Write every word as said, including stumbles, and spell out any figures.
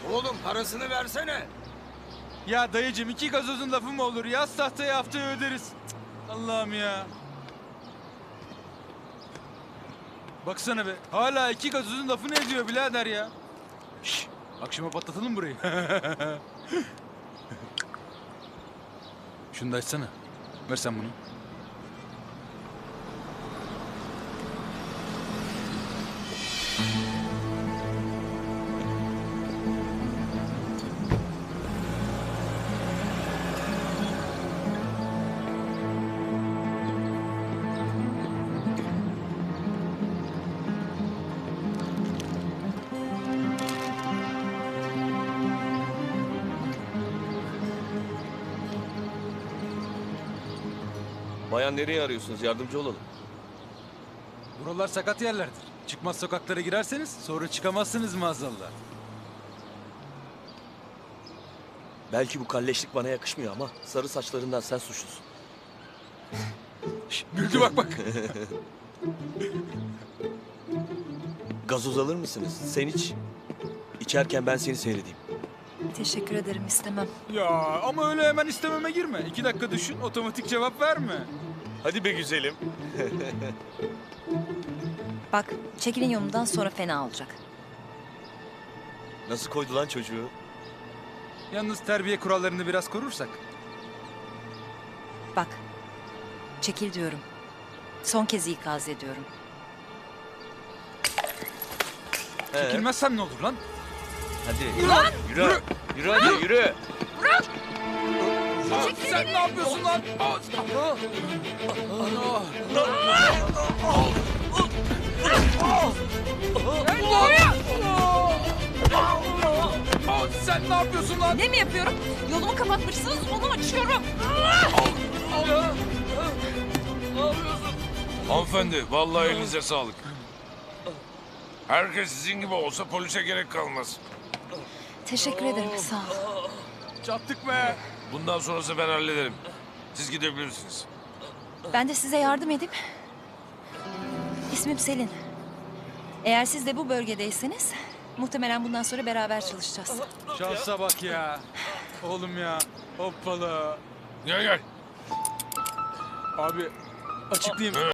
Oğlum parasını versene. Ya dayıcım iki gazozun lafı mı olur? Yaz tahtayı haftaya öderiz. Cık, Allah'ım ya. Baksana be. Hala iki gazozun lafı ne ediyor birader ya? Şş, akşama patlatalım burayı. Şunu da açsana. Ver sen bunu. Bayan nereye arıyorsunuz? Yardımcı olalım. Buralar sakat yerlerdir. Çıkmaz sokaklara girerseniz sonra çıkamazsınız maazallah. Belki bu kalleşlik bana yakışmıyor ama sarı saçlarından sen suçlusun. Şş, güldü bak bak. Gazoz alır mısınız? Sen iç. İçerken ben seni seyredeyim. Teşekkür ederim, istemem. Ya ama öyle hemen istememe girme. İki dakika düşün, otomatik cevap verme. Hadi be güzelim. Bak, çekilin yolundan sonra fena olacak. Nasıl koydu lan çocuğu? Yalnız terbiye kurallarını biraz korursak. Bak, çekil diyorum. Son kez ikaz ediyorum. He, Çekilmezsen ne olur lan? hadi. Yürü. Yürü. Yürü hadi yürü. Sen ne yapıyorsun lan? Sen ne yapıyorsun lan? Ne mi yapıyorum? Yolumu kapatmışsınız, onu açıyorum. Hanımefendi, vallahi elinize sağlık. Herkes sizin gibi olsa polise gerek kalmaz. Teşekkür ederim, sağ ol. Çattık be. Bundan sonrası ben hallederim. Siz gidebilirsiniz. Ben de size yardım edeyim. İsmim Selin. Eğer siz de bu bölgedeyseniz muhtemelen bundan sonra beraber çalışacağız. Şansa bak ya. Oğlum ya. Hoppala. Gel gel. Abi açıklayayım.